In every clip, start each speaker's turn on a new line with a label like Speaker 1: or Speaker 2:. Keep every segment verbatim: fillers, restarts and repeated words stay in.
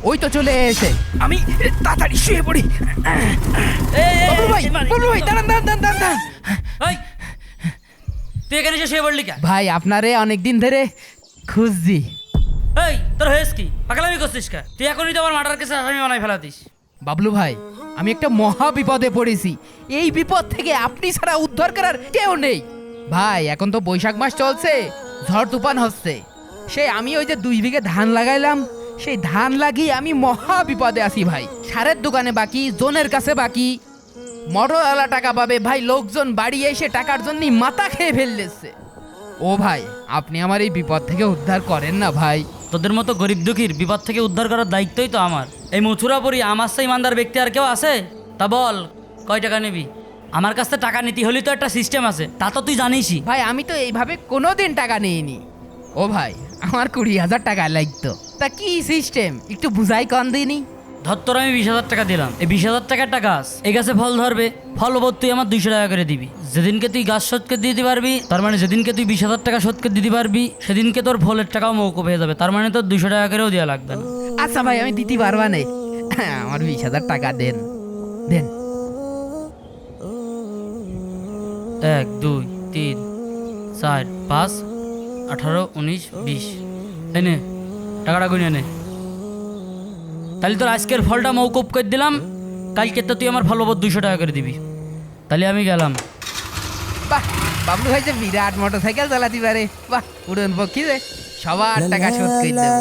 Speaker 1: ওই তো চলে এসে, আমি তাড়াতাড়ি শুয়ে পড়ি। বাবলু ভাই, বাবলু ভাই, দাঁড়ান দাঁড়ান দাঁড়ান দাঁড়ান।
Speaker 2: এই তুই এখানে এসে শুয়ে পড়লি কেন?
Speaker 1: ভাই আপনারে অনেকদিন ধরে খুঁজছি।
Speaker 2: এই তোর হয়েছ কি? পাগলামি করছিস কে? তুই এখনই তো আমার মার্ডার কেসে আসামি বানাই ফেলাতিস।
Speaker 1: বাবলু ভাই, আমি একটা মহা বিপদে পড়েছি। এই বিপদ থেকে আপনি ছাড়া উদ্ধার করার কেউ নেই। ভাই এখন তো বৈশাখ মাস চলছে, ঝড় তুফান হচ্ছে। সেই আমি ওই যে দুই বিঘে ধান লাগাইলাম, সেই ধান লাগিয়ে আমি মহা বিপদে আছি ভাই। সারের দোকানে বাকি, জোনের কাছে বাকি, মোটরওয়ালা টাকা পাবে ভাই, লোকজন বাড়ি এসে টাকার জন্য মাথা খেয়ে ফেললেছে। ও ভাই, আপনি আমার এই বিপদ থেকে উদ্ধার করেন না ভাই।
Speaker 2: তোদের মতো গরিব দুঃখীর বিপদ থেকে উদ্ধার করার দায়িত্বই তো আমার। এই মথুরাপুরি আমার সেই ইমানদার ব্যক্তি আর কেউ আছে? তা বল, কয় টাকা নিবি? আমার কাছ থেকে টাকা নিতে হলে তো একটা সিস্টেম আছে, তা তো তুই জানিসই।
Speaker 1: ভাই আমি তো এইভাবে কোনোদিন টাকা নিইনি। ও ভাই, আমার কুড়ি হাজার টাকা লাগতো। তা কি সিস্টেম একটু বুঝাই কন দিনি।
Speaker 2: ধর তোর আমি বিশ হাজার টাকা দিলাম, এই বিশ হাজার টাকার টাকা এই গাছে ফল ধরবে, ফল ওপর তুই আমার দুইশো টাকা করে দিবি। যেদিনকে তুই গাছ শোধকে দিতে পারবি, তার মানে যেদিনকে তুই বিশ হাজার টাকা শোধকে দিতে পারবি, সেদিনকে তোর ফলের টাকাও মৌকুব হয়ে যাবে। তার মানে তোর দুইশো টাকা করেও দেওয়া লাগবে না।
Speaker 1: আচ্ছা ভাই, আমি দিতে পারবা না, আমার বিশ হাজার টাকা দেন দেন।
Speaker 2: এক দুই তিন চার পাঁচ আঠারো উনিশ বিশ, এই নে টাকাটা গুনে নে। তাহলে তোর আজকের ফলটা মৌকুব করে দিলাম, কালকে তো তুই আমার ফল ওপর দুইশো টাকা করে দিবি। তাহলে আমি গেলাম।
Speaker 1: বাহ, বাবলু ভাই যে বিরাট মোটর সাইকেল চালাতে পারে, বাহ, উড়ন পক্ষী রে। সবার টাকা শোধ করে দেবো,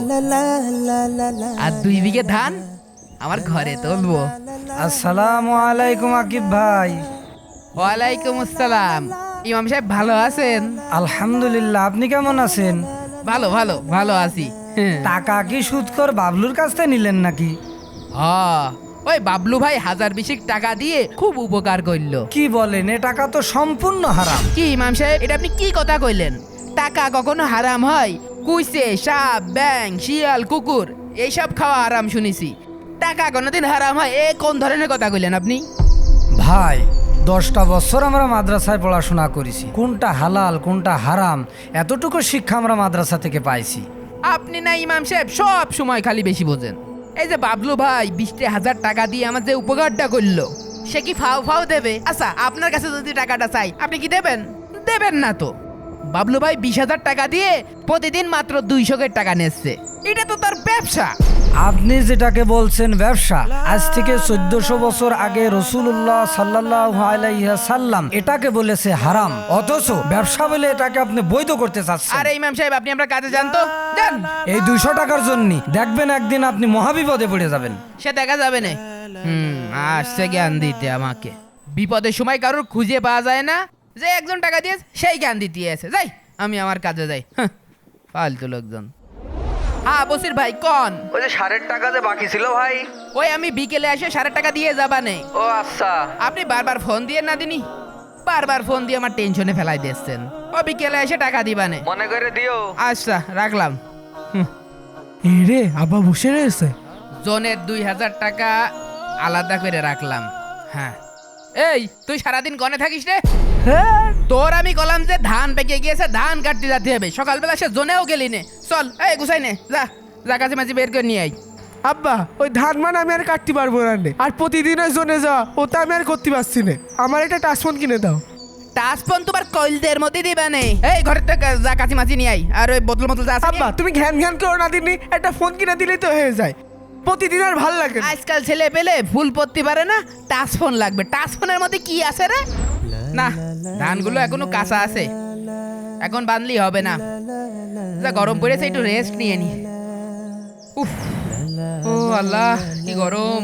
Speaker 1: আর দুই বিঘে ধান আমার ঘরে তুলবো।
Speaker 3: আসসালামু আলাইকুম আকিব ভাই।
Speaker 1: ওয়ালাইকুম আসসালাম। ইমাম সাহেব ভালো আছেন?
Speaker 3: আলহামদুলিল্লাহ, আপনি কেমন আছেন?
Speaker 1: ভালো ভালো ভালো আছি।
Speaker 3: টাকা কি সুদকর বাবলুর কাছ থেকে নিলেন নাকি?
Speaker 1: হ্যাঁ, ওই বাবলু ভাই হাজার বিশেক টাকা দিয়ে খুব উপকার করলো।
Speaker 3: কি বলেন, এ টাকা তো সম্পূর্ণ হারাম।
Speaker 1: কি ইমাম সাহেব, এটা আপনি কি কথা কইলেন? টাকা কখনো হারাম হয়? কুইসে, সাপ, ব্যাং, শিয়াল, কুকুর এইসব খাওয়া হারাম শুনেছি। টাকা কোনোদিন হারাম হয়? এ কোন ধরনের কথা কইলেন আপনি?
Speaker 3: ভাই, দশটা বছর আমরা মাদ্রাসায় পড়াশোনা করেছি, কোনটা হালাল কোনটা হারাম এতটুকু শিক্ষা আমরা মাদ্রাসা থেকে পাইছি।
Speaker 1: আপনি না ইমাম সাহেব সব সময় খালি বেশি বোঝেন। এই যে বাবলু ভাই বিশটা হাজার টাকা দিয়ে আমার যে উপকারটা করলো, সে কি ফাও ফাও দেবে? আচ্ছা, আপনার কাছে যদি টাকাটা চাই, আপনি কি দেবেন? দেবেন না তো। বাবলু ভাই বিশ হাজার টাকা দিয়ে প্রতিদিন মাত্র দুইশো টাকা নিচ্ছে, এটা তো তার ব্যবসা।
Speaker 3: আপনি যেটাকে বলছেন ব্যবসা, আজ থেকে চোদ্দশো বছর আগে রসুল্লাহ সাল্লাল্লাহু আলাইহি সাল্লাম এটাকে বলেছে হারাম, অথচ ব্যবসা বলে এটাকে আপনি বৈধ করতে চাচ্ছেন।
Speaker 1: আরে ইমাম সাহেব, আপনি আমরা কাজে যান তো, যান।
Speaker 3: এই দুইশো টাকার জন্য দেখবেন একদিন আপনি মহাবিপদে পড়ে যাবেন।
Speaker 1: সে দেখা যাবে না। হুম, আসছে জ্ঞান দিতে আমাকে। বিপদের সময় কারোর খুঁজে পাওয়া যায় না, যে একজন টাকা দিয়ে সেই জ্ঞান দিতে আছে। যাই, আমি আমার কাজে যাই। হ্যাঁ, ফালতু লোকজন। হ্যাঁ বসির ভাই, কোন?
Speaker 4: ওই যে সারের টাকা যে বাকি ছিল ভাই।
Speaker 1: ওই আমি বিকেলে এসে সাড়ে টাকা দিয়ে যাবা নেই।
Speaker 4: ও আচ্ছা।
Speaker 1: আপনি বারবার ফোন দিয়ে না দিনি, বারবার ফোন দিয়ে আমার টেনশনে ফেলাই দিচ্ছেন। ও বিকেলে এসে টাকা দিবা নে।
Speaker 4: মনে করে দিও।
Speaker 1: আচ্ছা, রাখলাম।
Speaker 5: রে আব্বা বসে রয়েছে।
Speaker 1: জনের দুই হাজার টাকা আলাদা করে রাখলাম। হ্যাঁ, এই তুই সারাদিন গনে থাকিস রে?
Speaker 5: হ্যাঁ,
Speaker 1: তোর আমি কলাম যে ধান পেকে গিয়েছে, ধান কাটতে যেতে হবে। সকালবেলা সে জোনেও গেলি নে। চল, এই গুছাই নে, যা যা কাছে মাঝে বের করে নিয়ে আই।
Speaker 5: আব্বা ওই ধান মান আমি আর কাটতে পারবো না রে। আর প্রতিদিন ওই জোনে যাওয়া ওটা আমি আর করতে পারছি না। আমার একটা টাচফোন কিনে দাও।
Speaker 1: টাচফোন তোমার কইলদের মধ্যে দিবা নে। এই ঘরের থেকে যা কাছে মাঝে নিয়ে আই, আর ওই বোতল মতো যা আছে
Speaker 5: আব্বা তুমি ঘ্যান ঘ্যান করো না দিনই, একটা ফোন কিনে দিলেই তো হয়ে যায়। প্রতিদিন আর ভাল লাগে না।
Speaker 1: আজকাল ছেলে পেলে ফুল পড়তে পারে না, টাচফোন লাগবে। টাচফোনের মধ্যে কি আছে রে? না, ধানগুলো এখনো কাঁচা আছে, এখন বানলি হবে না। যা গরম পড়েছে, একটু রেস্ট নিয়ে নি। উফ, ও আল্লাহ কি গরম।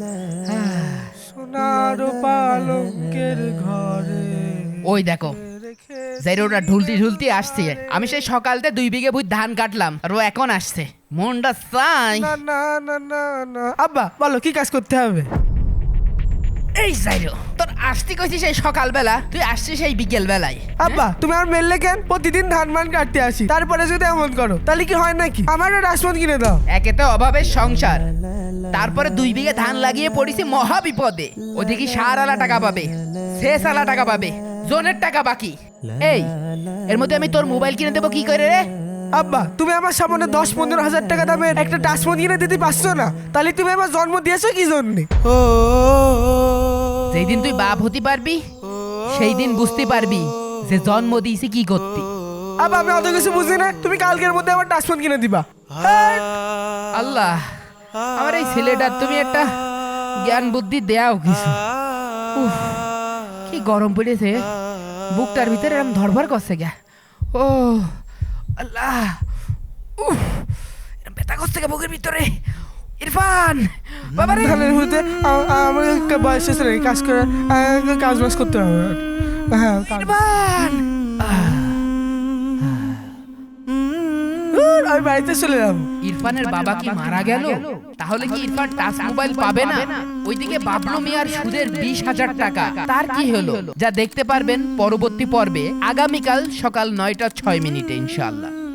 Speaker 5: সোনার পালঙ্কের ঘরে
Speaker 1: ওই দেখো, জাইরোটা ঢুলতি ঢুলতি আসছে। আমি সেই সকালতে দুই বিঘে ভুই ধান কাটলাম, আর ও এখন আসছে। মনটা চাই।
Speaker 5: না না না না না। আব্বা বলো কি কাজ করতে হবে?
Speaker 1: এই জাইরো, তোর আসতে কইছি সেই সকালবেলা, তুই আসছিস সেই বিকেল বেলায়।
Speaker 5: আব্বা তুমি আর মেললে কেন? প্রতিদিন ধান মান কাটতে আসি, তারপরে যদি এমন করো তাহলে কি হয় নাকি? আমারও টাচফোন কিনে দাও।
Speaker 1: একে তো অভাবের সংসার, তারপরে দুই বিঘে ধান লাগিয়ে পড়েছি মহা বিপদে। ওদিকে সার আলা টাকা পাবে, শেষ আলা টাকা পাবে, জোনের টাকা বাকি। এই এর মধ্যে আমি তোর মোবাইল কিনে দেবো কি করে রে?
Speaker 5: আব্বা তুমি আমার সামনে দশ পনেরো হাজার টাকা দামের একটা টাচ ফোন কিনে দিতে পারছো না, তাহলে তুমি আমার জন্ম দিয়েছো কি জন্যে?
Speaker 1: যেই দিন তুই বাপ হতে পারবি সেই দিন বুঝতে পারবি যে জন্ম দিয়েছি কি করতে।
Speaker 5: আব্বা আমি অত কিছু বুঝি না, তুমি কালকের মধ্যে আমার টাচ ফোন কিনে দিবা।
Speaker 1: আল্লাহ, আমার এই ছেলেটার তুমি একটা জ্ঞান বুদ্ধি দেও কিছু। উফ, কি গরম পড়েছে, বুকটার ভিতরে এরকম ধরভর করছে গা। ও আল্লাহ, উফ, এরকম ব্যথা করছে গা বুকের ভিতরে। ইরফান বাবা রে,
Speaker 5: ধানের মধ্যে আ- আ- আমার একটা বয়স হয়েছে রে, কাজ করে আ, কাজ বাজ করতে হবে। হ্যাঁ কাজ-
Speaker 1: ইরফান
Speaker 5: উর, আমি বাড়িতে চলে যাবো।
Speaker 1: ইরফানের বাবা কি মারা গেল? তাহলে কি ইরফান টাচ মোবাইল পাবে না? ওইদিকে বাবলু মিয়ার সুদের বিশ হাজার টাকা, তার কি হলো? যা দেখতে পারবেন পরবর্তী পর্বে আগামীকাল সকাল নয়টা ছয় মিনিটে ইনশাআল্লাহ।